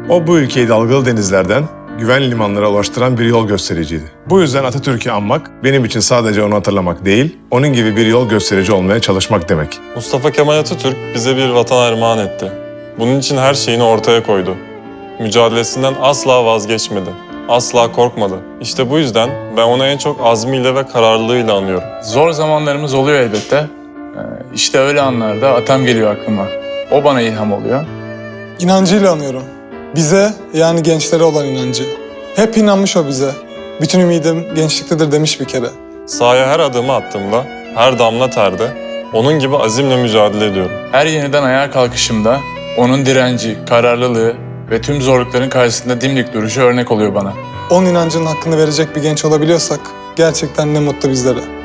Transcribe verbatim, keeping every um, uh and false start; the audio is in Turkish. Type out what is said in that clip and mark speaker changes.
Speaker 1: O bu ülkeyi dalgalı denizlerden güvenli limanlara ulaştıran bir yol göstericiydi. Bu yüzden Atatürk'ü anmak benim için sadece onu hatırlamak değil, onun gibi bir yol gösterici olmaya çalışmak demek.
Speaker 2: Mustafa Kemal Atatürk bize bir vatan armağan etti. Bunun için her şeyini ortaya koydu. Mücadelesinden asla vazgeçmedi. Asla korkmadı. İşte bu yüzden ben onu en çok azmiyle ve kararlılığıyla anıyorum.
Speaker 3: Zor zamanlarımız oluyor elbette. Ee, İşte öyle anlarda atam geliyor aklıma. O bana ilham oluyor.
Speaker 4: İnancıyla anıyorum. Bize, yani gençlere olan inancı. Hep inanmış o bize. Bütün ümidim gençliktedir demiş bir kere.
Speaker 2: Sahaya her adımı attığımda, her damla terde onun gibi azimle mücadele ediyorum.
Speaker 3: Her yeniden ayağa kalkışımda onun direnci, kararlılığı ve tüm zorlukların karşısında dimdik duruşu örnek oluyor bana.
Speaker 4: Onun inancının hakkını verecek bir genç olabiliyorsak gerçekten ne mutlu bizlere.